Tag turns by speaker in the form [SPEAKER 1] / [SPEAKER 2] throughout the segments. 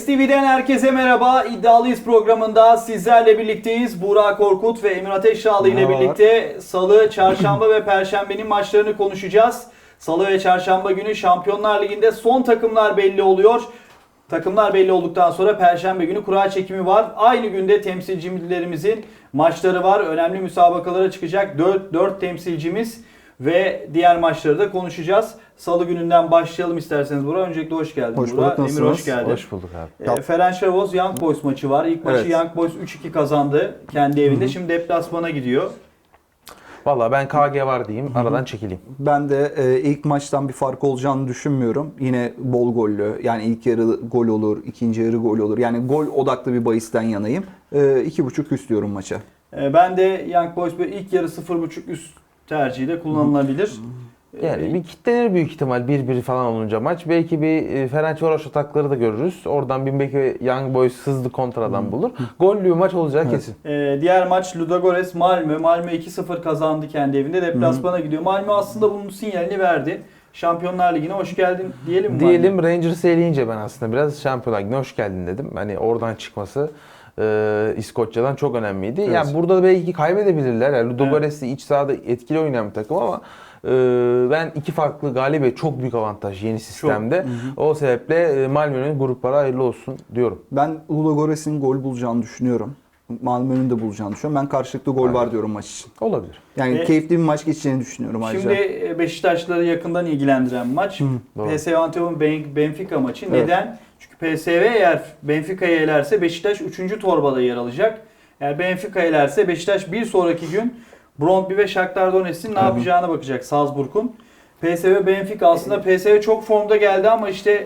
[SPEAKER 1] TV'den herkese merhaba. İddialıyız programında sizlerle birlikteyiz. Burak Korkut ve Emir Ateşdağlı ile birlikte Salı, Çarşamba ve Perşembe'nin maçlarını konuşacağız. Salı ve Çarşamba günü Şampiyonlar Ligi'nde son takımlar belli oluyor. Takımlar belli olduktan sonra Perşembe günü kura çekimi var. Aynı günde temsilcilerimizin maçları var. Önemli müsabakalara çıkacak 4 temsilcimiz ve diğer maçları da konuşacağız. Salı gününden başlayalım isterseniz Burak. Öncelikle hoş geldin
[SPEAKER 2] Burak.
[SPEAKER 1] Burak. Emir hoş geldin.
[SPEAKER 3] Hoş bulduk abi.
[SPEAKER 1] Ferencvaros Young Boys maçı var. İlk maçı Young Boys 3-2 kazandı kendi evinde. Şimdi deplasmana gidiyor.
[SPEAKER 3] Valla ben KG var diyeyim. Aradan çekileyim.
[SPEAKER 2] Ben de ilk maçtan bir fark olacağını düşünmüyorum. Yine bol gollü. Yani ilk yarı gol olur, ikinci yarı gol olur. Yani gol odaklı bir bahisten yanayım. 2.5 üst diyorum maça.
[SPEAKER 1] Ben de Young Boys ilk yarı 0.5 üst tercihi de kullanılabilir.
[SPEAKER 3] Yani bir kitlenir büyük ihtimal 1-1 falan olunca maç. Belki bir Ferencvaros atakları da görürüz. Oradan belki Young Boys hızlı kontradan bulur. Gollü bir maç olacağı kesin.
[SPEAKER 1] Diğer maç Ludogorets Malmö. Malmö 2-0 kazandı kendi evinde. Deplasmana gidiyor. Malmö aslında bunun sinyalini verdi. Şampiyonlar Ligi'ne hoş geldin diyelim mi?
[SPEAKER 3] Diyelim Rangers'ı eleyince ben aslında biraz Şampiyonlar Ligi'ne hoş geldin dedim. Hani oradan çıkması İskoçya'dan çok önemliydi. Evet. Yani burada belki kaybedebilirler. Yani Ludogorets iç sahada etkili oynayan bir takım ama ben iki farklı galibiyet çok büyük avantaj yeni sistemde. O sebeple Malmö'nün gruplara hayırlı olsun diyorum.
[SPEAKER 2] Ben Ludogorets'in gol bulacağını düşünüyorum. Malmö'nün de bulacağını düşünüyorum. Ben karşılıklı gol var diyorum maç için.
[SPEAKER 3] Olabilir.
[SPEAKER 2] Yani keyifli bir maç geçeceğini düşünüyorum ayrıca.
[SPEAKER 1] Şimdi Beşiktaşlıları yakından ilgilendiren maç. PSV Eindhoven Benfica maçı. Evet. Neden? Çünkü PSV eğer Benfica'yı elerse Beşiktaş 3. torbada yer alacak. Eğer Benfica elerse Beşiktaş bir sonraki gün Brøndby ve Shakhtar Donetsk'in ne yapacağına bakacak Salzburg'un. PSV Benfica aslında PSV çok formda geldi ama işte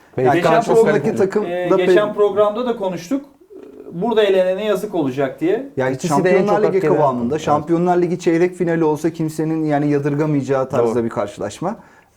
[SPEAKER 1] geçen programda da konuştuk. Burada elenene yazık olacak diye.
[SPEAKER 2] Yani Şampiyonlar Ligi kıvamında, Şampiyonlar Ligi çeyrek finali olsa kimsenin yani yadırgamayacağı tarzda bir karşılaşma.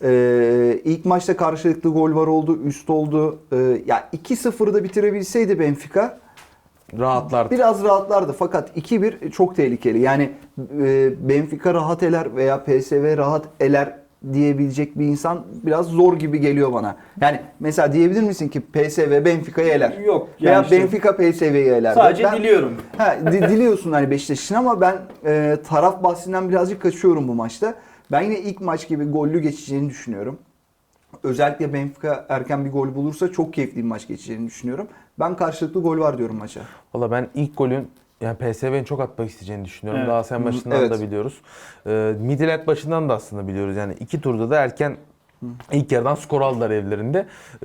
[SPEAKER 2] İlk maçta karşılıklı gol var oldu, üst oldu. Ya 2-0'da bitirebilseydi Benfica
[SPEAKER 3] rahatlardı.
[SPEAKER 2] Biraz rahatlardı fakat 2-1 çok tehlikeli. Yani Benfica rahat eler veya PSV rahat eler diyebilecek bir insan biraz zor gibi geliyor bana. Yani mesela diyebilir misin ki PSV Benfica'yı eler?
[SPEAKER 1] Yok.
[SPEAKER 2] Yani veya işte, Benfica PSV'yi eler.
[SPEAKER 1] Sadece diliyorum.
[SPEAKER 2] Diliyorsun hani Beşiktaş için ama ben taraf bahsinden birazcık kaçıyorum bu maçta. Ben yine ilk maç gibi gollü geçeceğini düşünüyorum. Özellikle Benfica erken bir gol bulursa çok keyifli bir maç geçeceğini düşünüyorum. Ben karşılıklı gol var diyorum maça.
[SPEAKER 3] Valla ben ilk golün yani PSV'nin çok atmak isteyeceğini düşünüyorum. Daha sen başından da biliyoruz. Midtjylland başından da aslında biliyoruz. Yani iki turda da erken ilk yarıdan skor aldılar evlerinde.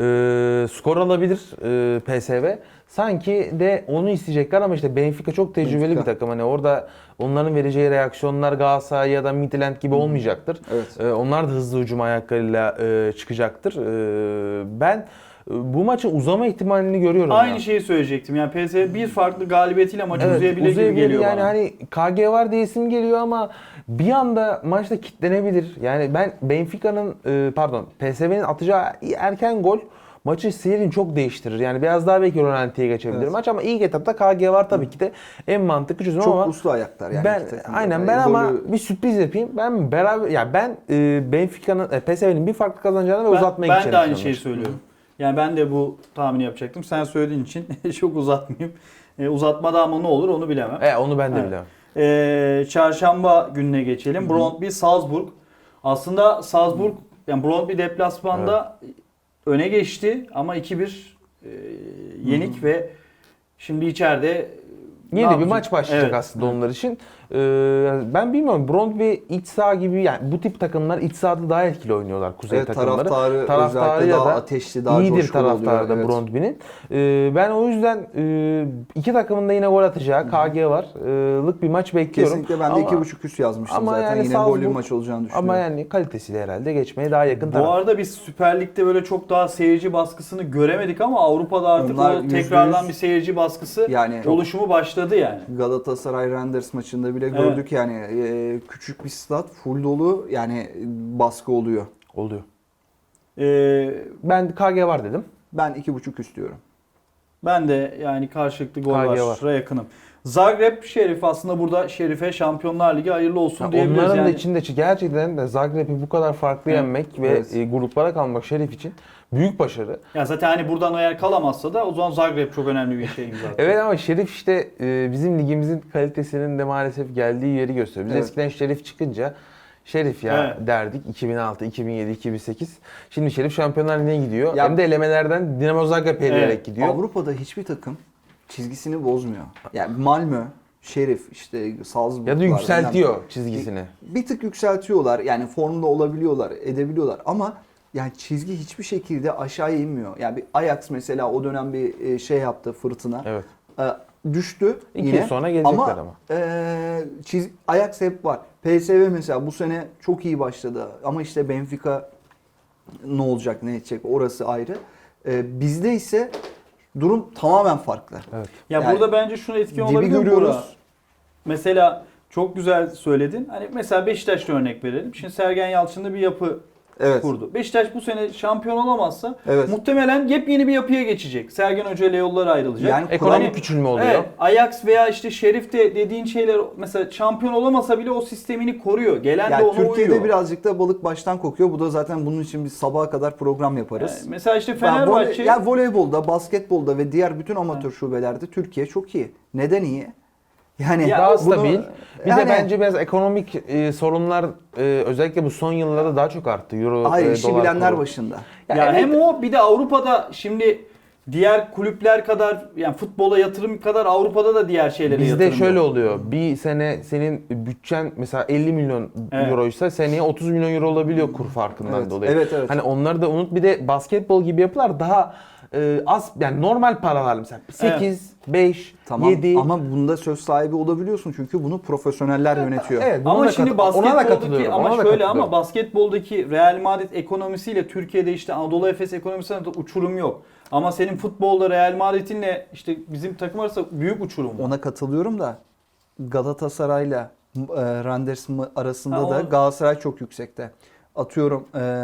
[SPEAKER 3] Skor alabilir PSV. Sanki de onu isteyecekler ama işte Benfica çok tecrübeli bir takım. Hani orada onların vereceği reaksiyonlar Galatasaray ya da Midtjylland gibi olmayacaktır. Evet. Onlar da hızlı hücum ayaklarıyla çıkacaktır. Ben bu maçın uzama ihtimalini görüyorum.
[SPEAKER 1] Aynı şeyi söyleyecektim. Yani PSV bir farklı galibiyetiyle maçı uzayabilir gibi geliyor
[SPEAKER 3] yani
[SPEAKER 1] bana.
[SPEAKER 3] hani KG var diye isim geliyor ama bir anda maçta kitlenebilir. Yani ben Benfica'nın PSV'nin atacağı erken gol maçı seyrini çok değiştirir. Yani biraz daha belki rölantiye geçebilir maç ama ilk etapta KG var tabii ki de en mantıklı çözüm
[SPEAKER 2] çok
[SPEAKER 3] ama
[SPEAKER 2] çok uslu ayaklar yani.
[SPEAKER 3] Ben ama bir sürpriz yapayım. Ben Benfica'nın PSV'nin bir farklı kazanacağını ve uzatmaya gideceğini.
[SPEAKER 1] Ben de aynı şeyi söylüyorum. Yani ben de bu tahmini yapacaktım. Sen söylediğin için çok uzatmayayım. Uzatmada ama ne olur onu bilemem.
[SPEAKER 3] Onu ben de bilemem.
[SPEAKER 1] Çarşamba gününe geçelim. Brøndby Salzburg. Aslında Salzburg yani Brøndby deplasmanda öne geçti ama 2-1 yenik ve şimdi içeride
[SPEAKER 3] yeni bir maç başlayacak aslında onlar için. Ben bilmiyorum. Brøndby iç saha gibi yani bu tip takımlar iç sahada daha etkili oynuyorlar kuzey takımları.
[SPEAKER 2] Taraftarı daha ateşli, daha
[SPEAKER 3] iyidir taraftarı da Brøndby'nin. Ben o yüzden iki takımın da yine gol atacağı KG var. Lık bir maç bekliyorum.
[SPEAKER 2] Kesinlikle ben de 2.5 üst yazmıştım
[SPEAKER 3] ama
[SPEAKER 2] zaten.
[SPEAKER 3] Yani
[SPEAKER 2] yine gollü bir maç olacağını düşünüyorum.
[SPEAKER 3] Ama yani kalitesiyle herhalde geçmeye daha yakın taraf.
[SPEAKER 1] Bu arada biz Süper Lig'de böyle çok daha seyirci baskısını göremedik ama Avrupa'da artık o tekrardan bir seyirci baskısı oluşumu başladı yani.
[SPEAKER 2] Galatasaray Randers maçında bile gördük yani küçük bir stat full dolu yani baskı oluyor.
[SPEAKER 3] Ben KG var dedim.
[SPEAKER 2] Ben 2.5 üst diyorum.
[SPEAKER 1] Ben de yani karşılıklı gol var'a yakınım. Zagreb Şerif aslında burada Şerif'e Şampiyonlar Ligi hayırlı olsun diyebiliriz.
[SPEAKER 3] Onların
[SPEAKER 1] yani.
[SPEAKER 3] da içinde gerçekten de Zagreb'i bu kadar farklı yenmek ve gruplara kalmak Şerif için büyük başarı.
[SPEAKER 1] Ya zaten hani buradan eğer kalamazsa da o zaman Zagreb çok önemli bir şey imza atıyor.
[SPEAKER 3] Evet ama Şerif işte bizim ligimizin kalitesinin de maalesef geldiği yeri gösteriyor. Biz
[SPEAKER 2] Evet.
[SPEAKER 3] eskiden Şerif çıkınca Şerif ya derdik 2006, 2007, 2008. Şimdi Şerif Şampiyonlar Ligi'ne gidiyor.
[SPEAKER 2] Ya,
[SPEAKER 3] hem de elemelerden Dinamo Zagreb eleyerek gidiyor.
[SPEAKER 2] Avrupa'da hiçbir takım çizgisini bozmuyor. Yani Malmö, Şerif, işte Salzburg.
[SPEAKER 3] Ya da yükseltiyor çizgisini.
[SPEAKER 2] Bir tık yükseltiyorlar. Yani formda olabiliyorlar, edebiliyorlar ama yani çizgi hiçbir şekilde aşağıya inmiyor. Yani bir Ajax mesela o dönem bir şey yaptı, fırtına.
[SPEAKER 3] Evet.
[SPEAKER 2] Düştü
[SPEAKER 3] 2
[SPEAKER 2] yine.
[SPEAKER 3] yıl sonra gelecekler ama.
[SPEAKER 2] Ajax hep var. PSV mesela bu sene çok iyi başladı ama işte Benfica ne olacak, ne edecek orası ayrı. Bizde ise durum tamamen farklı.
[SPEAKER 3] Evet.
[SPEAKER 1] Ya
[SPEAKER 2] Yani
[SPEAKER 1] burada bence şuna etki
[SPEAKER 2] dibi
[SPEAKER 1] olabilir mi
[SPEAKER 2] görüyoruz.
[SPEAKER 1] Burak? Mesela çok güzel söyledin. Hani mesela Beşiktaş'ta örnek verelim. Şimdi Sergen Yalçın'da bir yapı
[SPEAKER 2] Evet.
[SPEAKER 1] kurdu. Beşiktaş bu sene şampiyon olamazsa
[SPEAKER 2] Evet.
[SPEAKER 1] muhtemelen yepyeni bir yapıya geçecek. Sergen Hoca ile yollar ayrılacak.
[SPEAKER 2] Yani
[SPEAKER 3] Ekonomik küçülme oluyor.
[SPEAKER 1] Evet, Ajax veya işte Şerif'te dediğin şeyler mesela şampiyon olamasa bile o sistemini koruyor. Gelen de
[SPEAKER 2] Yani
[SPEAKER 1] ona
[SPEAKER 2] Türkiye'de
[SPEAKER 1] uyuyor.
[SPEAKER 2] birazcık da balık baştan kokuyor. Bu da zaten bunun için biz sabaha kadar program yaparız.
[SPEAKER 1] Mesela işte
[SPEAKER 2] Yani
[SPEAKER 1] Fenerbahçe
[SPEAKER 2] voleybolda, basketbolda ve diğer bütün amatör şubelerde Türkiye çok iyi. Neden iyi? Yani
[SPEAKER 1] Ya
[SPEAKER 3] Daha
[SPEAKER 2] bunu-
[SPEAKER 3] stabil. Bir
[SPEAKER 2] yani-
[SPEAKER 3] de bence biraz ekonomik sorunlar özellikle bu son yıllarda daha çok arttı. Euro,
[SPEAKER 2] Hayır, işi
[SPEAKER 3] dolar
[SPEAKER 2] bilenler
[SPEAKER 3] kuru.
[SPEAKER 2] başında.
[SPEAKER 1] ya
[SPEAKER 3] evet.
[SPEAKER 1] hem o bir de Avrupa'da şimdi diğer kulüpler kadar yani futbola yatırım kadar Avrupa'da da diğer şeylere yatırım
[SPEAKER 3] Bizde şöyle
[SPEAKER 1] yok.
[SPEAKER 3] oluyor. Bir sene senin bütçen mesela 50 milyon
[SPEAKER 1] Evet.
[SPEAKER 3] euroysa seneye 30 milyon euro olabiliyor kur farkından
[SPEAKER 2] Evet,
[SPEAKER 3] dolayı.
[SPEAKER 2] evet, evet.
[SPEAKER 3] Hani onları da unut. Bir de basketbol gibi yapılar daha az yani normal paralar mesela 8, 5,
[SPEAKER 2] Tamam
[SPEAKER 3] 7.
[SPEAKER 2] ama bunda söz sahibi olabiliyorsun çünkü bunu profesyoneller yönetiyor.
[SPEAKER 3] Evet, buna
[SPEAKER 1] Ama
[SPEAKER 3] da
[SPEAKER 1] şimdi
[SPEAKER 3] ona da
[SPEAKER 1] basketboldaki
[SPEAKER 3] katılıyorum.
[SPEAKER 1] ama
[SPEAKER 3] Ona da
[SPEAKER 1] şöyle
[SPEAKER 3] katılıyorum.
[SPEAKER 1] ama basketboldaki Real Madrid ekonomisiyle Türkiye'de işte Anadolu Efes ekonomisiyle de uçurum yok. Ama senin futbolda Real Madrid'inle işte bizim takım arasında büyük uçurum var.
[SPEAKER 2] Ona katılıyorum da Galatasaray'la Randers arasında
[SPEAKER 1] Ha,
[SPEAKER 2] da
[SPEAKER 1] o-
[SPEAKER 2] Galatasaray çok yüksekte. Atıyorum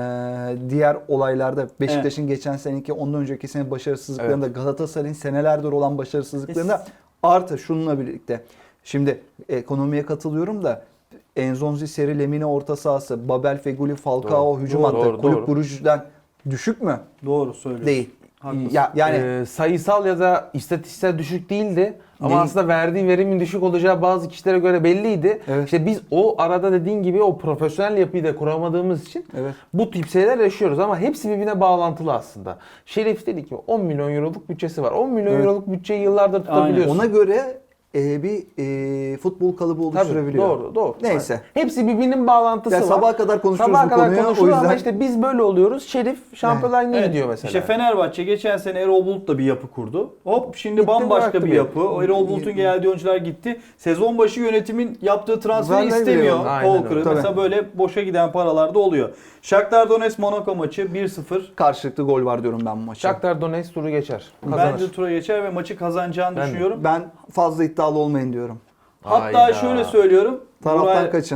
[SPEAKER 2] diğer olaylarda Beşiktaş'ın geçen seneki ondan önceki sene başarısızlıklarında Galatasaray'ın senelerdir olan başarısızlıklarında artı şununla birlikte. Şimdi ekonomiye katılıyorum da Enzonzi, Seri, Lemine orta sahası, Babel, Feguli, Falcao hücum hattı.
[SPEAKER 3] doğru,
[SPEAKER 2] Kulüp
[SPEAKER 3] doğru.
[SPEAKER 2] Brugge'den düşük mü?
[SPEAKER 1] Doğru söylüyorsun.
[SPEAKER 2] Değil.
[SPEAKER 1] Haklısın.
[SPEAKER 3] Ya
[SPEAKER 2] Yani-
[SPEAKER 3] sayısal ya da istatistiksel düşük değildi ama
[SPEAKER 2] Değil.
[SPEAKER 3] aslında verdiği verimin düşük olacağı bazı kişilere göre belliydi.
[SPEAKER 2] Evet.
[SPEAKER 3] İşte biz o arada dediğin gibi o profesyonel yapıyı da kuramadığımız için
[SPEAKER 2] Evet.
[SPEAKER 3] bu tip şeyler yaşıyoruz ama hepsi birbirine bağlantılı aslında. Şerif dedi ki 10 milyon euroluk bütçesi var. 10 milyon
[SPEAKER 2] Evet.
[SPEAKER 3] euroluk bütçeyi yıllardır tutabiliyorsun.
[SPEAKER 2] Ona göre bir futbol kalıbı oluşturabiliyor.
[SPEAKER 3] Doğru, doğru.
[SPEAKER 2] Neyse.
[SPEAKER 3] Hepsi birbirinin bağlantısı
[SPEAKER 2] Ya
[SPEAKER 3] var.
[SPEAKER 2] sabaha kadar konuşuyoruz
[SPEAKER 3] Sabaha
[SPEAKER 2] bu
[SPEAKER 3] kadar
[SPEAKER 2] konuyu.
[SPEAKER 3] konuşuruz
[SPEAKER 2] O yüzden
[SPEAKER 3] ama işte biz böyle oluyoruz. Şerif Şampiyonlar Ligi'ne
[SPEAKER 1] Evet.
[SPEAKER 3] gidiyor mesela.
[SPEAKER 1] İşte Fenerbahçe geçen sene Erol Bulut'la bir yapı kurdu. Hop şimdi
[SPEAKER 3] Gitti,
[SPEAKER 1] bambaşka
[SPEAKER 3] bıraktı
[SPEAKER 1] bir
[SPEAKER 3] bir
[SPEAKER 1] yapı. O Erol Bulut'un geldiği oyuncular gitti. Sezon başı yönetimin yaptığı transferi
[SPEAKER 2] Vallahi
[SPEAKER 1] istemiyor.
[SPEAKER 2] biliyorum.
[SPEAKER 3] Aynen
[SPEAKER 1] Kol kırığı.
[SPEAKER 2] öyle.
[SPEAKER 1] Mesela böyle boşa giden paralar da oluyor. Shakhtar Donetsk Monaco maçı 1-0.
[SPEAKER 2] karşılıklı gol var diyorum ben bu maça.
[SPEAKER 3] Shakhtar Donetsk turu geçer. Kazanır.
[SPEAKER 1] Bence tura geçer ve maçı kazanacağını
[SPEAKER 3] Ben de.
[SPEAKER 1] düşünüyorum.
[SPEAKER 2] Ben fazla iddialı olmayın diyorum.
[SPEAKER 1] Hatta
[SPEAKER 3] Hayda.
[SPEAKER 1] şöyle söylüyorum.
[SPEAKER 2] Taraftan kaçın.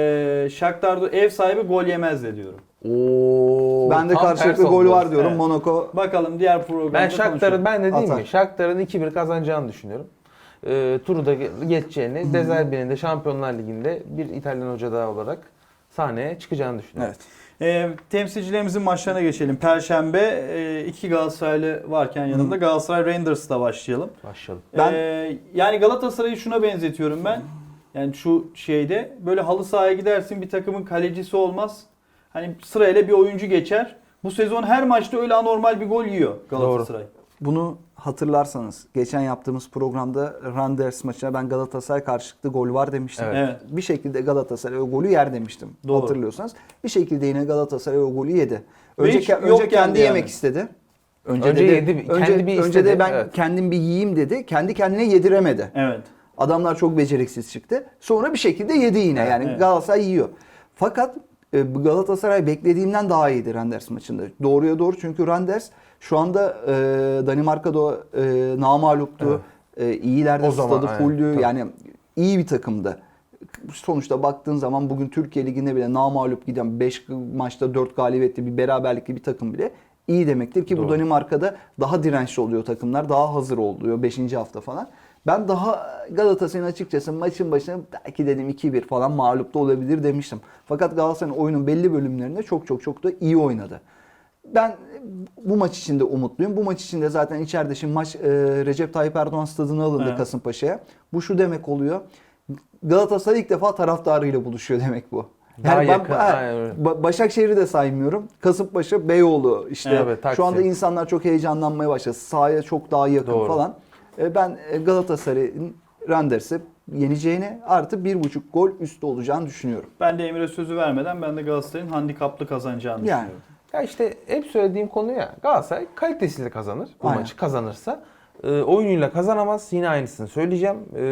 [SPEAKER 1] Shakhtar ev sahibi gol yemez de diyorum.
[SPEAKER 3] Oo,
[SPEAKER 2] Ben de
[SPEAKER 3] tam
[SPEAKER 2] karşılıklı
[SPEAKER 3] ters
[SPEAKER 2] gol
[SPEAKER 3] oldu.
[SPEAKER 2] var diyorum.
[SPEAKER 1] Evet.
[SPEAKER 2] Monaco
[SPEAKER 1] Bakalım diğer programda
[SPEAKER 3] Ben Shakhtar'ın ben de değil
[SPEAKER 2] Atar.
[SPEAKER 3] mi? Shakhtar'ın 2-1 kazanacağını düşünüyorum. Turu da geçeceğini, De Zerbi'nin de Şampiyonlar Ligi'nde bir İtalyan hoca daha olarak sahneye çıkacağını düşünüyorum.
[SPEAKER 2] Evet.
[SPEAKER 1] Temsilcilerimizin maçlarına geçelim. Perşembe iki Galatasaraylı varken yanımda Galatasaray Rangers'la başlayalım.
[SPEAKER 3] Başlayalım.
[SPEAKER 1] Yani Galatasaray'ı şuna benzetiyorum ben. Yani şu şeyde böyle halı sahaya gidersin bir takımın kalecisi olmaz. Hani sırayla bir oyuncu geçer. Bu sezon her maçta öyle anormal bir gol yiyor Galatasaray.
[SPEAKER 2] Bunu hatırlarsanız geçen yaptığımız programda Randers maçına ben Galatasaray karşılıklı gol var demiştim.
[SPEAKER 3] Evet.
[SPEAKER 1] Evet.
[SPEAKER 2] Bir şekilde Galatasaray o golü yer demiştim.
[SPEAKER 1] Doğru.
[SPEAKER 2] Hatırlıyorsanız. Bir şekilde yine Galatasaray o golü yedi.
[SPEAKER 1] Ve
[SPEAKER 2] Önce,
[SPEAKER 1] hiç yok
[SPEAKER 2] önce kendi
[SPEAKER 1] yani.
[SPEAKER 2] yemek istedi.
[SPEAKER 3] Önce
[SPEAKER 2] de-
[SPEAKER 3] yedi, kendi bir
[SPEAKER 2] önce
[SPEAKER 3] istedi,
[SPEAKER 2] de ben
[SPEAKER 3] evet.
[SPEAKER 2] kendim bir yiyeyim dedi. Kendi kendine yediremedi.
[SPEAKER 1] Evet.
[SPEAKER 2] Adamlar çok beceriksiz çıktı. Sonra bir şekilde yedi yine. Yani
[SPEAKER 1] Evet.
[SPEAKER 2] Galatasaray yiyor. Fakat Galatasaray beklediğimden daha iyiydi Randers maçında. Doğruya doğru çünkü Randers şu anda Danimarka'da namağluptu. İyilerde
[SPEAKER 3] O zaman,
[SPEAKER 2] stadı
[SPEAKER 3] aynen,
[SPEAKER 2] fulldü.
[SPEAKER 3] tabii.
[SPEAKER 2] Yani iyi bir takımdı. Sonuçta baktığın zaman bugün Türkiye Ligi'nde bile namağlup giden 5 maçta 4 galibiyetli bir beraberlikli bir takım bile iyi demektir ki bu
[SPEAKER 3] Doğru.
[SPEAKER 2] Danimarka'da daha dirençli oluyor takımlar. Daha hazır oluyor 5. hafta falan. Ben daha Galatasaray'ın açıkçası maçın başına belki dedim 2-1 falan mağlup da olabilir demiştim. Fakat Galatasaray'ın oyunun belli bölümlerinde çok da iyi oynadı. Ben bu maç için de umutluyum. Bu maç için de zaten içeride şimdi maç Recep Tayyip Erdoğan stadına alındı,
[SPEAKER 1] Evet.
[SPEAKER 2] Kasımpaşa'ya. Bu şu demek oluyor. Galatasaray ilk defa taraftarıyla buluşuyor demek bu.
[SPEAKER 3] Daha
[SPEAKER 2] Yani ben
[SPEAKER 3] yakın, aynen öyle.
[SPEAKER 2] Başakşehir'i de saymıyorum. Kasımpaşa, Beyoğlu işte.
[SPEAKER 3] Evet, Taksim.
[SPEAKER 2] Şu anda insanlar çok heyecanlanmaya başladı. Sahaya çok daha yakın
[SPEAKER 3] Doğru.
[SPEAKER 2] falan. Ben Galatasaray'ın Randers'i yeneceğini artı 1.5 gol üstü olacağını düşünüyorum.
[SPEAKER 1] Ben de Emir'e sözü vermeden ben de Galatasaray'ın handikaplı kazanacağını
[SPEAKER 2] Yani.
[SPEAKER 1] düşünüyorum.
[SPEAKER 3] Ya işte hep söylediğim konu ya. Galatasaray kalitesiyle kazanır. Bu
[SPEAKER 2] Aynen.
[SPEAKER 3] maçı kazanırsa. Oyunuyla kazanamaz. Yine aynısını söyleyeceğim.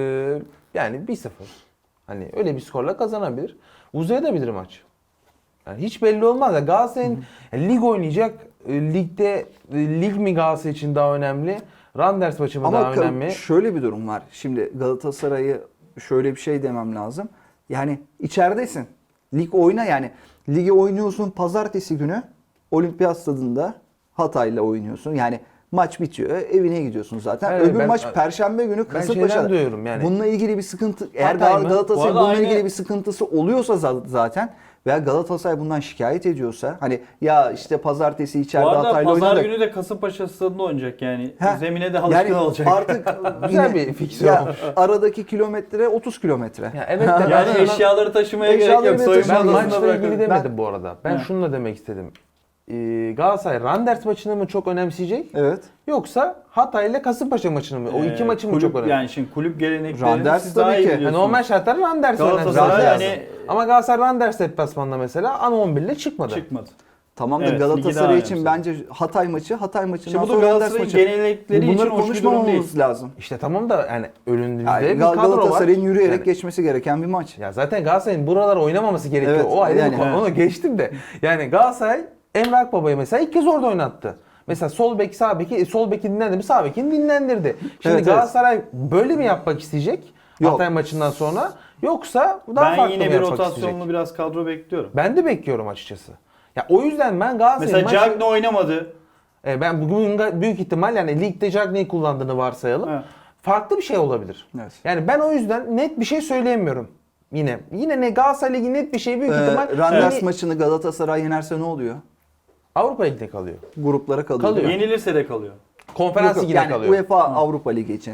[SPEAKER 3] Yani 1-0. Hani öyle bir skorla kazanabilir. Uzayabilir maç. Yani hiç belli olmaz. Ya Galatasaray'ın lig oynayacak. Ligde lig mi Galatasaray için daha önemli? Randers maçı mı
[SPEAKER 2] Ama
[SPEAKER 3] daha önemli?
[SPEAKER 2] şöyle bir durum var. Şimdi Galatasaray'ı şöyle bir şey demem lazım. Yani içeridesin. Lig oyna yani. Ligi oynuyorsun pazartesi günü Olimpiyat Stadında Hatay'la oynuyorsun. Yani maç bitiyor. Evine gidiyorsun zaten.
[SPEAKER 3] Evet,
[SPEAKER 2] Öbür
[SPEAKER 3] ben-
[SPEAKER 2] maç perşembe günü
[SPEAKER 3] Ben
[SPEAKER 2] Kasımpaşa'da.
[SPEAKER 3] şeyden duyuyorum yani.
[SPEAKER 2] Bununla ilgili bir sıkıntı eğer
[SPEAKER 3] Hatay mı?
[SPEAKER 2] Galatasaray
[SPEAKER 1] Bu arada
[SPEAKER 2] bununla ilgili
[SPEAKER 1] aynı-
[SPEAKER 2] bir sıkıntısı oluyorsa zaten veya Galatasaray bundan şikayet ediyorsa hani ya işte pazartesi içeride
[SPEAKER 1] Bu arada
[SPEAKER 2] Hatay'la
[SPEAKER 1] pazar
[SPEAKER 2] oynadık.
[SPEAKER 1] günü de Kasımpaşa stadında oynayacak yani.
[SPEAKER 2] Heh,
[SPEAKER 1] Zemine de alışkın
[SPEAKER 2] yani
[SPEAKER 1] olacak.
[SPEAKER 2] Artık
[SPEAKER 3] Güzel
[SPEAKER 2] yine-
[SPEAKER 3] bir fikstür
[SPEAKER 2] ya
[SPEAKER 3] olmuş.
[SPEAKER 2] aradaki kilometre 30 kilometre.
[SPEAKER 3] Ya evet de
[SPEAKER 1] yani
[SPEAKER 3] ben sana-
[SPEAKER 1] eşyaları taşımaya
[SPEAKER 2] Eşyaları
[SPEAKER 1] gerek yok.
[SPEAKER 2] bile
[SPEAKER 1] Soyunma
[SPEAKER 3] ben
[SPEAKER 2] taşımaya
[SPEAKER 1] odasında
[SPEAKER 3] maçla ilgili
[SPEAKER 1] bırakın.
[SPEAKER 3] demedim bu arada. Ben
[SPEAKER 1] He.
[SPEAKER 3] şunu da demek istedim. Galatasaray Randers maçını mı çok önemseyecek?
[SPEAKER 2] Evet.
[SPEAKER 3] Yoksa Hatay ile Kasımpaşa maçını mı? O iki maçı mı
[SPEAKER 1] kulüp,
[SPEAKER 3] çok önemli?
[SPEAKER 1] Yani şimdi kulüp geleneklerini
[SPEAKER 2] Randers
[SPEAKER 1] siz daha
[SPEAKER 2] tabii
[SPEAKER 1] iyi
[SPEAKER 2] ki.
[SPEAKER 1] biliyorsunuz.
[SPEAKER 3] Normal şartlarda Randers
[SPEAKER 1] Galatasaray
[SPEAKER 3] önemli.
[SPEAKER 2] yani-
[SPEAKER 3] Ama Galatasaray Randers deplasmanında mesela ana 11 ile çıkmadı.
[SPEAKER 1] çıkmadı.
[SPEAKER 2] Tamam da
[SPEAKER 1] Evet, ligi daha
[SPEAKER 2] Galatasaray için
[SPEAKER 1] önemli.
[SPEAKER 2] bence Hatay maçından
[SPEAKER 1] Şimdi bu da
[SPEAKER 2] sonra Randers
[SPEAKER 1] Galatasaray'ın
[SPEAKER 2] maçı.
[SPEAKER 1] gelenekleri için
[SPEAKER 2] Bunları
[SPEAKER 1] hoş bir durum değil.
[SPEAKER 2] konuşmamamız lazım.
[SPEAKER 3] İşte tamam da yani önümüzde
[SPEAKER 2] Yani
[SPEAKER 3] bir kadro var.
[SPEAKER 2] Galatasaray'ın yürüyerek
[SPEAKER 3] Yani-
[SPEAKER 2] geçmesi gereken bir maç.
[SPEAKER 3] Ya zaten Galatasaray'ın buralar oynamaması gerekiyor.
[SPEAKER 2] Evet,
[SPEAKER 3] O ayrı
[SPEAKER 2] yani-
[SPEAKER 3] bir konu. Onu geçtim de. Yani Galatasaray Emre Akbaba'yı mesela ilk kez orada oynattı. Mesela sol bek, sağ beki, sol beki dinlendi mi, sağ bekini dinlendirdi. Şimdi
[SPEAKER 2] Evet,
[SPEAKER 3] Galatasaray böyle mi yapmak isteyecek?
[SPEAKER 2] Yok.
[SPEAKER 3] Hatay maçından sonra yoksa daha
[SPEAKER 1] Ben
[SPEAKER 3] farklı
[SPEAKER 1] yine
[SPEAKER 3] mı
[SPEAKER 1] bir
[SPEAKER 3] yapmak
[SPEAKER 1] rotasyonlu
[SPEAKER 3] isteyecek?
[SPEAKER 1] biraz kadro bekliyorum.
[SPEAKER 3] Ben de bekliyorum açıkçası. Ya o yüzden ben Galatasaray'ın
[SPEAKER 1] Mesela
[SPEAKER 3] maçı...
[SPEAKER 1] Cagney oynamadı.
[SPEAKER 3] Ben bugün büyük ihtimal yani ligde Cagney'i kullandığını varsayalım.
[SPEAKER 1] Evet.
[SPEAKER 3] Farklı bir şey olabilir.
[SPEAKER 2] Evet.
[SPEAKER 3] Yani ben o yüzden net bir şey söyleyemiyorum. Yine ne Galatasaray Ligi net bir şey büyük ihtimal
[SPEAKER 2] Randers
[SPEAKER 3] yeni
[SPEAKER 2] maçını Galatasaray yenerse ne oluyor?
[SPEAKER 3] Avrupa Ligi'nde kalıyor.
[SPEAKER 2] Gruplara kalıyor.
[SPEAKER 3] Kalıyor.
[SPEAKER 2] değil mi?
[SPEAKER 1] Yenilirse de kalıyor.
[SPEAKER 3] Konferans
[SPEAKER 2] Yok, yok.
[SPEAKER 3] Ligi'ne
[SPEAKER 2] yani
[SPEAKER 3] kalıyor.
[SPEAKER 2] UEFA Avrupa Ligi için.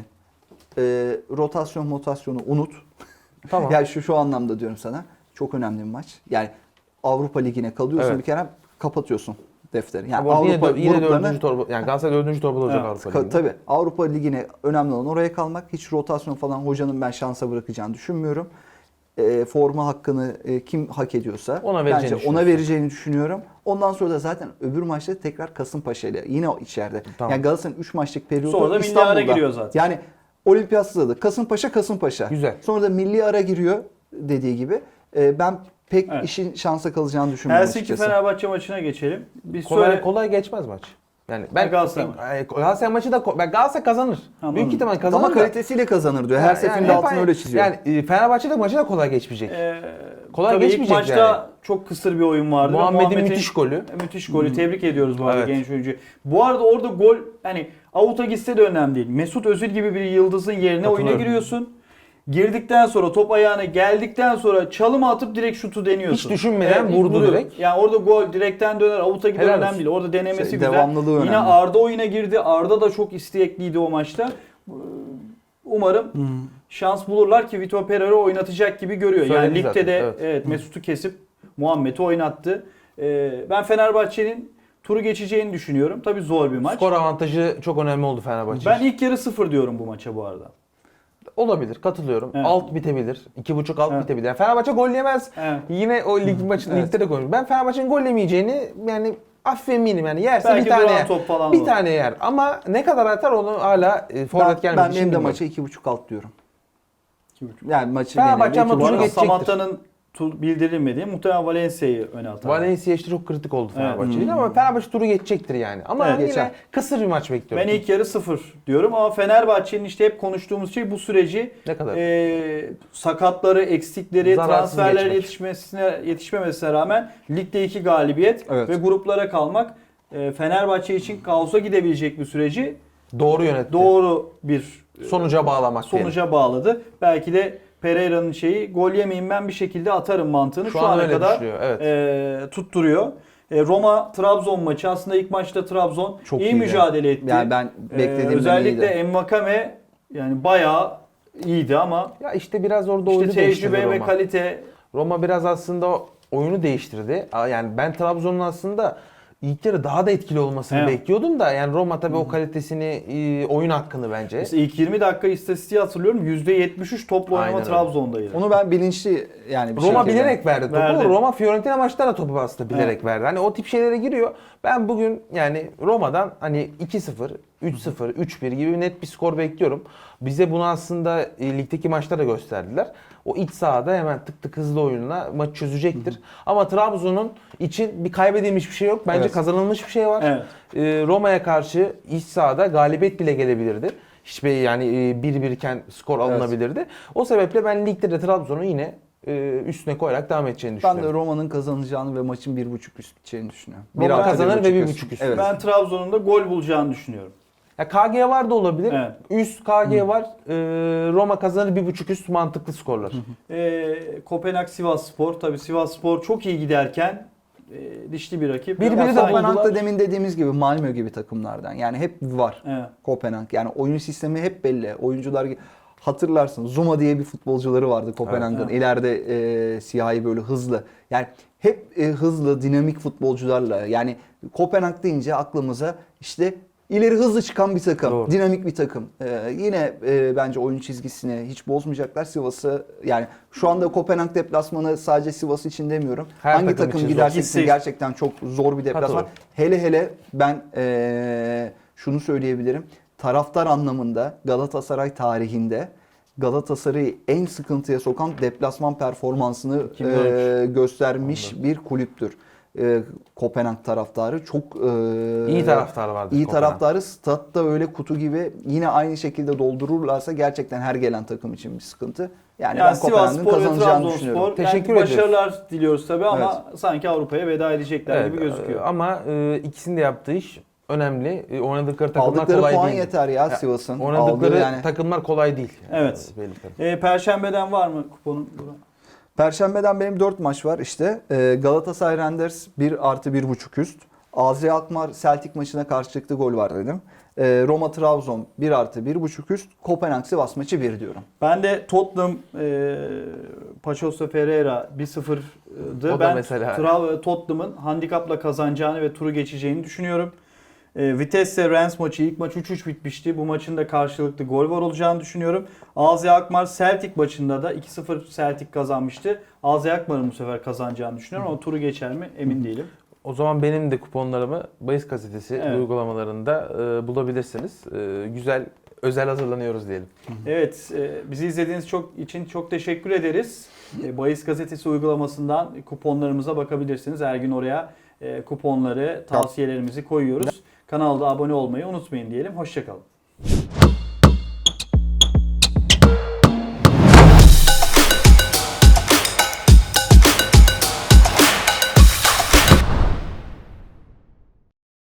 [SPEAKER 2] Rotasyonu unut.
[SPEAKER 3] Tamam.
[SPEAKER 2] Yani şu anlamda diyorum sana. Çok önemli bir maç. Yani Avrupa Ligi'ne kalıyorsun
[SPEAKER 3] Evet.
[SPEAKER 2] bir kere kapatıyorsun defteri. Yani
[SPEAKER 3] Ama
[SPEAKER 2] Avrupa
[SPEAKER 3] yine
[SPEAKER 2] gruplarına
[SPEAKER 3] dördüncü torba, yani Galatasaray dördüncü torbada olacak
[SPEAKER 1] Evet,
[SPEAKER 3] Avrupa Ligi'nde.
[SPEAKER 2] tabii Avrupa Ligi'ne önemli olan oraya kalmak. Hiç rotasyon falan hocanın ben şansa bırakacağını düşünmüyorum. Forma hakkını kim hak ediyorsa
[SPEAKER 3] Ona vereceğini
[SPEAKER 2] bence ona
[SPEAKER 3] düşünüyorsun.
[SPEAKER 2] vereceğini düşünüyorum. Ondan sonra da zaten öbür maçta tekrar Kasımpaşa ile yine içeride.
[SPEAKER 3] Tamam.
[SPEAKER 2] Yani Galatasaray'ın 3 maçlık periyodu
[SPEAKER 1] Sonra da milli
[SPEAKER 2] İstanbul'da.
[SPEAKER 1] ara giriyor zaten.
[SPEAKER 2] Yani Olimpiyat Stadı Kasımpaşa.
[SPEAKER 3] Güzel.
[SPEAKER 2] Sonra da milli ara giriyor dediği gibi. Ben pek
[SPEAKER 1] Evet.
[SPEAKER 2] işin şansa kalacağını düşünmüyorum
[SPEAKER 1] Helsinki
[SPEAKER 2] açıkçası.
[SPEAKER 1] Fenerbahçe maçına geçelim. Bir
[SPEAKER 3] Kolay geçmez maç. Yani ben
[SPEAKER 1] Galatasaray.
[SPEAKER 3] Galatasaray maçı da Galatasaray kazanır.
[SPEAKER 1] Anladım.
[SPEAKER 3] Büyük ihtimal kazanır.
[SPEAKER 2] Ama
[SPEAKER 3] da.
[SPEAKER 2] kalitesiyle kazanır diyor. Her
[SPEAKER 3] Yani
[SPEAKER 2] seferinde
[SPEAKER 3] hep
[SPEAKER 2] altını
[SPEAKER 3] aynı-
[SPEAKER 2] öyle çiziyor.
[SPEAKER 3] Yani Fenerbahçe de maçı da kolay geçmeyecek. Kolay
[SPEAKER 1] tabii ilk
[SPEAKER 3] geçmeyecek
[SPEAKER 1] maçta
[SPEAKER 3] yani.
[SPEAKER 1] çok kısır bir oyun vardı.
[SPEAKER 3] Muhammed'in müthiş golü.
[SPEAKER 1] Müthiş golü. Tebrik ediyoruz bu arada
[SPEAKER 3] Evet.
[SPEAKER 1] genç oyuncuyu. Bu arada orada gol hani avuta gitse de önemli değil. Mesut Özil gibi bir yıldızın yerine oyuna
[SPEAKER 3] Katılıyorum.
[SPEAKER 1] giriyorsun. Girdikten sonra top ayağına geldikten sonra çalıma atıp direkt şutu deniyorsun.
[SPEAKER 3] Hiç düşünmeden
[SPEAKER 1] ilk
[SPEAKER 3] vurdu
[SPEAKER 1] vuruyor.
[SPEAKER 3] direkt.
[SPEAKER 1] Yani orada gol direkten döner avuta gider
[SPEAKER 3] Helal
[SPEAKER 1] önemli
[SPEAKER 3] olsun.
[SPEAKER 1] değil. Orada denemesi
[SPEAKER 2] Şey,
[SPEAKER 1] güzel.
[SPEAKER 2] devamlılığı
[SPEAKER 1] Yine
[SPEAKER 2] önemli.
[SPEAKER 1] Arda oyuna girdi. Arda da çok istekliydi o maçta. Umarım şans bulurlar ki Vitor Pereira oynatacak gibi görüyor. Yani
[SPEAKER 3] Söyledi
[SPEAKER 1] ligde
[SPEAKER 3] zaten,
[SPEAKER 1] de
[SPEAKER 3] evet.
[SPEAKER 1] evet, Mesut'u kesip Muhammed'i oynattı. Ben Fenerbahçe'nin turu geçeceğini düşünüyorum. Tabii zor bir maç.
[SPEAKER 3] Skor avantajı çok önemli oldu Fenerbahçe
[SPEAKER 1] Ben
[SPEAKER 3] için.
[SPEAKER 1] ilk yarı 0 diyorum bu maça bu arada.
[SPEAKER 3] Olabilir, katılıyorum.
[SPEAKER 1] Evet.
[SPEAKER 3] Alt bitebilir. 2.5 alt
[SPEAKER 1] Evet.
[SPEAKER 3] bitebilir. Yani Fenerbahçe gol yemez.
[SPEAKER 1] Evet.
[SPEAKER 3] Yine o lig maçı
[SPEAKER 2] Evet.
[SPEAKER 3] ligde de konuşuyoruz. Ben Fenerbahçe'nin gol yemeyeceğini yani hafif eminim yani yerse
[SPEAKER 1] Belki
[SPEAKER 3] bir tane
[SPEAKER 1] duran
[SPEAKER 3] yer.
[SPEAKER 1] top falan
[SPEAKER 3] Bir
[SPEAKER 1] olur.
[SPEAKER 3] tane yer ama ne kadar atar onu hala forvet gelmedi.
[SPEAKER 2] Ben benim de maça 2.5 alt diyorum.
[SPEAKER 1] 2.5.
[SPEAKER 2] Yani maçı
[SPEAKER 3] Fenerbahçe
[SPEAKER 2] genelinde
[SPEAKER 3] ama
[SPEAKER 1] Bu
[SPEAKER 2] iki
[SPEAKER 3] turu
[SPEAKER 1] arada
[SPEAKER 2] buçuk.
[SPEAKER 3] geçecektir.
[SPEAKER 1] Samatta'nın bildirilmediği muhtemelen Valencia'yı öne atar.
[SPEAKER 3] Valencia işte çok kritik oldu
[SPEAKER 1] Evet.
[SPEAKER 3] Fenerbahçe için ama Fenerbahçe turu geçecektir yani. Ama
[SPEAKER 1] Evet,
[SPEAKER 3] yine
[SPEAKER 2] geçer.
[SPEAKER 3] kısır bir maç bekliyorum.
[SPEAKER 1] Ben ilk yarı 0 diyorum ama Fenerbahçe'nin işte hep konuştuğumuz şey bu süreci
[SPEAKER 3] Ne kadar?
[SPEAKER 1] sakatları, eksikleri,
[SPEAKER 3] Zararsız
[SPEAKER 1] transferler
[SPEAKER 3] geçmek.
[SPEAKER 1] yetişmemesine rağmen ligde 2 galibiyet
[SPEAKER 2] Evet.
[SPEAKER 1] ve gruplara kalmak Fenerbahçe için kaosa gidebilecek bir süreci
[SPEAKER 3] Doğru yönetti.
[SPEAKER 1] doğru bir
[SPEAKER 3] Sonuca bağlamak
[SPEAKER 1] sonuca bağladı. Belki de Pereira'nın şeyi gol yemeyeyim ben bir şekilde atarım mantığını
[SPEAKER 3] Şu
[SPEAKER 1] şu
[SPEAKER 3] an
[SPEAKER 1] ana
[SPEAKER 3] öyle
[SPEAKER 1] kadar
[SPEAKER 3] düşünüyor, evet.
[SPEAKER 1] tutturuyor. Roma-Trabzon maçı aslında ilk maçta Trabzon
[SPEAKER 2] Çok
[SPEAKER 1] iyi
[SPEAKER 2] iyiydi.
[SPEAKER 1] mücadele etti.
[SPEAKER 2] Yani ben beklediğimden
[SPEAKER 1] özellikle
[SPEAKER 2] iyiydi.
[SPEAKER 1] Envakame yani bayağı iyiydi ama
[SPEAKER 3] Ya işte biraz orada
[SPEAKER 1] işte
[SPEAKER 3] oyunu değiştirdi
[SPEAKER 1] tecrübe ve
[SPEAKER 3] Roma.
[SPEAKER 1] kalite
[SPEAKER 3] Roma biraz aslında oyunu değiştirdi. Yani ben Trabzon'un aslında ilk yarı daha da etkili olmasını
[SPEAKER 1] Evet.
[SPEAKER 3] bekliyordum da yani Roma tabii o kalitesini, oyun hakkını bence.
[SPEAKER 1] mesela ilk 20 dakika istatistiği hatırlıyorum. %73 topla oynama
[SPEAKER 3] Aynen öyle.
[SPEAKER 1] Trabzon'daydı.
[SPEAKER 2] Onu ben bilinçli yani bir
[SPEAKER 3] Roma
[SPEAKER 2] şekilde-
[SPEAKER 3] bilerek verdi topu.
[SPEAKER 1] Verdi.
[SPEAKER 3] Roma Fiorentina maçta da topu aslında bilerek verdi. Hani o tip şeylere giriyor. Ben bugün yani Roma'dan hani 2-0, 3-0, 3-1 gibi net bir skor bekliyorum. Bize bunu aslında ligdeki maçta da gösterdiler. O iç sahada hemen tık tık hızlı oyunla maç çözecektir. Ama Trabzon'un için bir kaybedilmiş bir şey yok. Bence
[SPEAKER 2] Evet.
[SPEAKER 3] kazanılmış bir şey var.
[SPEAKER 1] Evet.
[SPEAKER 3] Roma'ya karşı iç sahada galibiyet bile gelebilirdi. Hiçbir yani 1-1 iken skor alınabilirdi. O sebeple ben ligde de Trabzon'u yine üstüne koyarak devam edeceğini
[SPEAKER 2] Ben
[SPEAKER 3] düşünüyorum.
[SPEAKER 2] de Roma'nın kazanacağını ve maçın 1.5 üst biteceğini düşünüyorum.
[SPEAKER 3] Roma
[SPEAKER 2] 1 artı
[SPEAKER 3] kazanır ve
[SPEAKER 2] 1.5
[SPEAKER 3] 1.5 üst.
[SPEAKER 2] Evet.
[SPEAKER 1] Ben Trabzon'un da gol bulacağını düşünüyorum.
[SPEAKER 3] Ya KG var da olabilir.
[SPEAKER 1] Evet.
[SPEAKER 3] Üst KG var. Roma kazanır 1.5 üst mantıklı skorlar.
[SPEAKER 1] Kopenhag Sivasspor. Tabii Sivasspor çok iyi giderken dişli bir rakip.
[SPEAKER 3] Birbiri
[SPEAKER 1] Ya
[SPEAKER 3] de
[SPEAKER 1] sanki-
[SPEAKER 3] buldular.
[SPEAKER 2] Kopenhag da demin dediğimiz gibi Malmö gibi takımlardan. Yani hep var
[SPEAKER 1] Evet.
[SPEAKER 2] Kopenhag. Yani oyun sistemi hep belli. Oyuncular hatırlarsın Zuma diye bir futbolcuları vardı Kopenhag'ın.
[SPEAKER 1] Evet.
[SPEAKER 2] İleride siyahi böyle hızlı. Yani hep hızlı, dinamik futbolcularla. Yani Kopenhag deyince aklımıza işte ileri hızlı çıkan bir takım,
[SPEAKER 3] Doğru.
[SPEAKER 2] dinamik bir takım. Yine bence oyun çizgisini hiç bozmayacaklar. Sivas'ı yani şu anda Kopenhag deplasmanı sadece Sivas için demiyorum.
[SPEAKER 3] Her
[SPEAKER 2] Hangi
[SPEAKER 3] takım
[SPEAKER 2] takım
[SPEAKER 3] için zor.
[SPEAKER 2] giderse
[SPEAKER 1] Gitse-
[SPEAKER 2] gitsin gerçekten çok zor bir deplasman.
[SPEAKER 3] Katılıyorum.
[SPEAKER 2] Hele ben şunu söyleyebilirim. Taraftar anlamında Galatasaray tarihinde Galatasaray'ı en sıkıntıya sokan deplasman performansını
[SPEAKER 3] 2013.
[SPEAKER 2] göstermiş bir kulüptür. Kopenhag taraftarı çok
[SPEAKER 3] İyi taraftar vardır
[SPEAKER 2] İyi
[SPEAKER 3] Kopenhag.
[SPEAKER 2] taraftarı statta öyle kutu gibi yine aynı şekilde doldururlarsa gerçekten her gelen takım için bir sıkıntı. Yani ben Kopenhag'ın
[SPEAKER 1] Sivasspor ve
[SPEAKER 2] kazanacağını düşünüyorum.
[SPEAKER 1] Trabzonspor
[SPEAKER 3] Teşekkür
[SPEAKER 1] yani
[SPEAKER 3] ediyoruz.
[SPEAKER 1] başarılar diliyoruz tabii ama sanki Avrupa'ya veda edecekler gibi gözüküyor.
[SPEAKER 3] Ama ikisinin de yaptığı iş önemli. Oynadıkları takımlar
[SPEAKER 2] Aldıkları
[SPEAKER 3] kolay
[SPEAKER 2] puan
[SPEAKER 3] değil.
[SPEAKER 2] yeter ya Sivas'ın.
[SPEAKER 3] Oynadıkları
[SPEAKER 2] Aldığı yani.
[SPEAKER 3] takımlar kolay değil.
[SPEAKER 1] Evet.
[SPEAKER 3] Belli tabii.
[SPEAKER 1] Perşembeden var mı kuponun?
[SPEAKER 2] Perşembeden benim 4 maç var işte. Galatasaray Randers 1 artı 1.5 üst. AZ Alkmaar Celtic maçına karşı çıktı gol var dedim. Roma Trabzon 1 artı 1.5 üst. Kopenhag Sivas maçı 1 diyorum.
[SPEAKER 1] Ben de Tottenham Paçosa Ferreira 1-0'dı.
[SPEAKER 3] O da
[SPEAKER 1] Ben
[SPEAKER 3] mesela.
[SPEAKER 1] Tottenham'ın handikapla kazanacağını ve turu geçeceğini düşünüyorum. Vitesse Rennes maçı ilk maç 3-3 bitmişti. Bu maçın da karşılıklı gol var olacağını düşünüyorum. AZ Alkmaar Celtic maçında da 2-0 Celtic kazanmıştı. AZ Alkmaar'ın bu sefer kazanacağını düşünüyorum ama turu geçer mi emin değilim.
[SPEAKER 3] O zaman benim de kuponlarımı Bahis Gazetesi
[SPEAKER 1] Evet.
[SPEAKER 3] uygulamalarında bulabilirsiniz. Güzel, özel hazırlanıyoruz diyelim.
[SPEAKER 1] Evet, bizi izlediğiniz için çok teşekkür ederiz. Bahis Gazetesi uygulamasından kuponlarımıza bakabilirsiniz. Her gün oraya kuponları, tavsiyelerimizi koyuyoruz. Kanalda abone olmayı unutmayın diyelim. Hoşçakalın.